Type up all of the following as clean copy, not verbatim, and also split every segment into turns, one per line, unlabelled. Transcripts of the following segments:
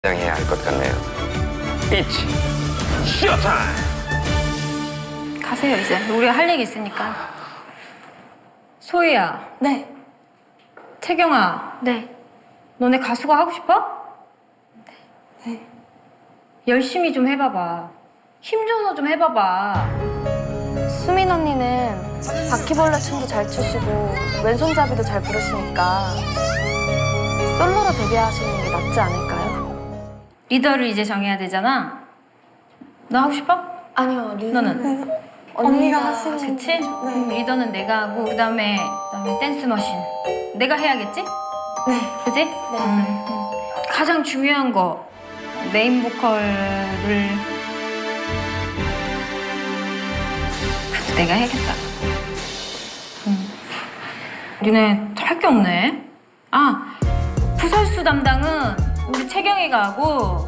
해야 할 것 같네요. It's 쇼타임!
가세요 이제. 우리가 할 얘기 있으니까. 소희야.
네.
태경아.
네.
너네 가수가 하고 싶어?
네.
열심히 좀 해봐봐. 힘줘서 좀 해봐봐.
수민 언니는 바퀴벌레 춤도 잘 추시고 왼손잡이도 잘 부르시니까 솔로로 데뷔하시는 게 낫지 않을까요?
리더를 이제 정해야 되잖아. 너 하고 싶어?
아니요,
너는?
언니가 하시는
그치? 리더는 내가 하고 그다음에 댄스 머신. 내가 해야겠지?
네.
그지?
네.
가장 중요한 거 메인 보컬을 그래도 내가 해야겠다. 니네 할 게 없네. 아, 구설수 담당은 우리 채경이가 하고.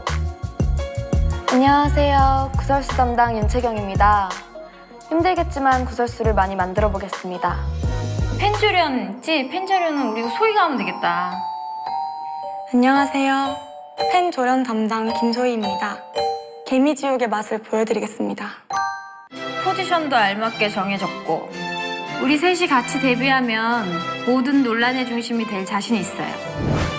안녕하세요. 구설수 담당 윤채경입니다. 힘들겠지만 구설수를 많이 만들어 보겠습니다.
펜조련 있지? 펜조련은 우리 소희가 하면 되겠다.
안녕하세요. 팬 조련 담당 김소희입니다. 개미지옥의 맛을 보여드리겠습니다.
포지션도 알맞게 정해졌고 우리 셋이 같이 데뷔하면 모든 논란의 중심이 될 자신 있어요.